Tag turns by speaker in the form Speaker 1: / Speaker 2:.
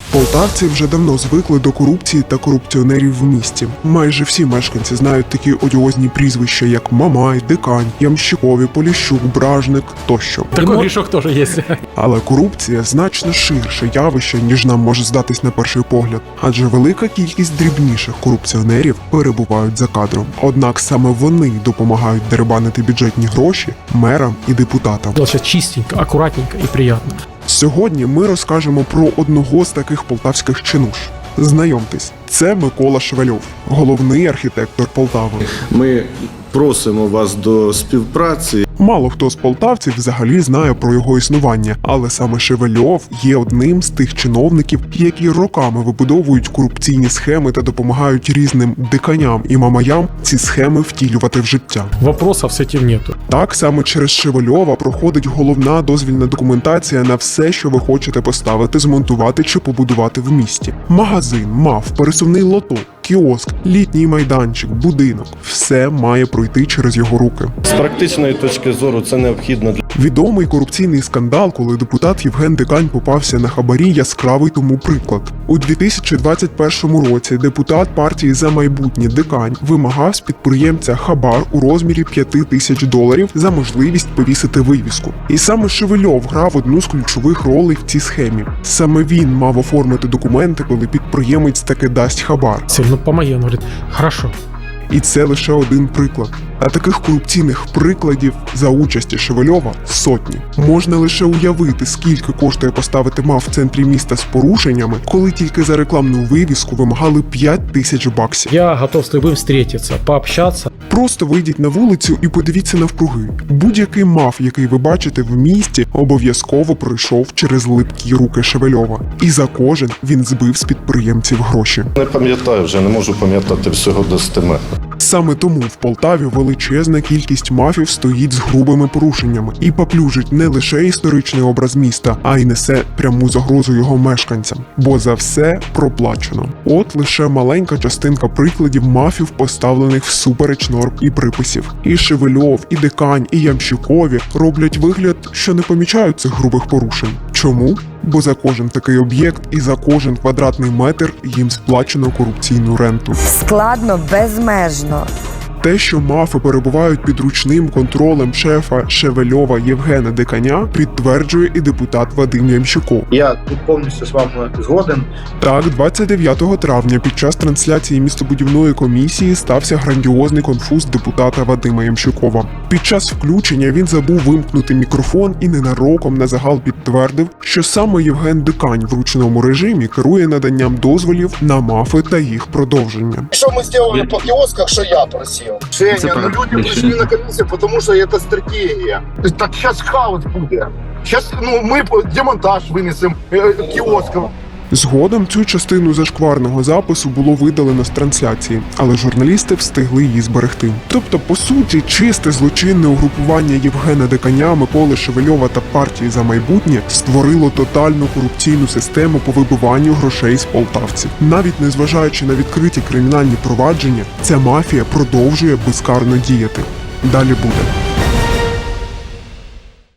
Speaker 1: Полтавці вже давно звикли до корупції та корупціонерів в місті. Майже всі мешканці знають такі одіозні прізвища, як Мамай, Дикань, Ямщикові, Поліщук, Бражник тощо.
Speaker 2: Такой грешок тоже есть.
Speaker 1: Але корупція значно ширше явище, ніж нам може здатись на перший погляд. Адже велика кількість дрібніших корупціонерів перебувають за кадром. Однак саме вони допомагають дерибанити бюджетні гроші мерам і депутатам.
Speaker 2: Сейчас чистенько, аккуратненько и приятно.
Speaker 1: Сьогодні ми розкажемо про одного з таких полтавських чинуш. Знайомтесь, це Микола Шевельов, головний архітектор Полтави.
Speaker 3: Ми просимо вас до співпраці.
Speaker 1: Мало хто з полтавців взагалі знає про його існування, але саме Шевельов є одним з тих чиновників, які роками вибудовують корупційні схеми та допомагають різним диканям і мамаям ці схеми втілювати в життя.
Speaker 2: Вопросов с этим нету.
Speaker 1: Так, саме через Шевельова проходить головна дозвільна документація на все, що ви хочете поставити, змонтувати чи побудувати в місті. Магазин, МАФ, пересувний лоток, кіоск, літній майданчик, будинок – все має пройти через його руки.
Speaker 3: З практичної точки зору це необхідно для
Speaker 1: Відомий корупційний скандал, коли депутат Євген Дикань попався на хабарі, яскравий тому приклад. У 2021 році депутат партії «За майбутнє» Дикань вимагав з підприємця хабар у розмірі $5000 за можливість повісити вивіску. І саме Шевельов грав одну з ключових ролей в цій схемі. Саме він мав оформити документи, коли підприємець таки дасть хабар.
Speaker 2: Сильно помоги, он говорит, хорошо.
Speaker 1: І це лише один приклад. А таких корупційних прикладів за участі Шевельова сотні. Можна лише уявити, скільки коштує поставити МАФ в центрі міста з порушеннями, коли тільки за рекламну вивіску вимагали $5000.
Speaker 2: Я готов с любым встретиться, пообщаться.
Speaker 1: Просто вийдіть на вулицю і подивіться навкруги. Будь-який МАФ, який ви бачите в місті, обов'язково пройшов через липкі руки Шевельова. І за кожен він збив з підприємців гроші.
Speaker 3: не пам'ятаю, вже не можу пам'ятати всього достеменно.
Speaker 1: Саме тому в Полтаві величезна кількість мафів стоїть з грубими порушеннями і поплюжить не лише історичний образ міста, а й несе пряму загрозу його мешканцям. Бо за все проплачено. От лише маленька частинка прикладів мафів, поставлених всупереч норм і приписів. І Шевельов, і Дикань, і Ямщикові роблять вигляд, що не помічають цих грубих порушень. Чому? Бо за кожен такий об'єкт і за кожен квадратний метр їм сплачено корупційну ренту.
Speaker 4: Складно безмежно.
Speaker 1: Те, що мафи перебувають під ручним контролем шефа Шевельова Євгена Диканя, підтверджує і депутат Вадим Ямщиков.
Speaker 5: Я тут повністю з вами згоден.
Speaker 1: Так, 29 травня під час трансляції містобудівної комісії стався грандіозний конфуз депутата Вадима Ямщикова. Під час включення він забув вимкнути мікрофон і ненароком на загал підтвердив, що саме Євген Дикань в ручному режимі керує наданням дозволів на мафи та їх продовження.
Speaker 5: Що ми зробили по кіосках, що я просив? Женя, ну люди прийшли на комісію, тому що це стратегія. Так зараз хаос буде. Зараз ми демонтаж винесемо кіосків.
Speaker 1: Згодом цю частину зашкварного запису було видалено з трансляції, але журналісти встигли її зберегти. Тобто, по суті, чисте злочинне угрупування Євгена Диканя, Миколи Шевельова та партії «За майбутнє» створило тотальну корупційну систему по вибиванню грошей з полтавців. Навіть незважаючи на відкриті кримінальні провадження, ця мафія продовжує безкарно діяти. Далі буде.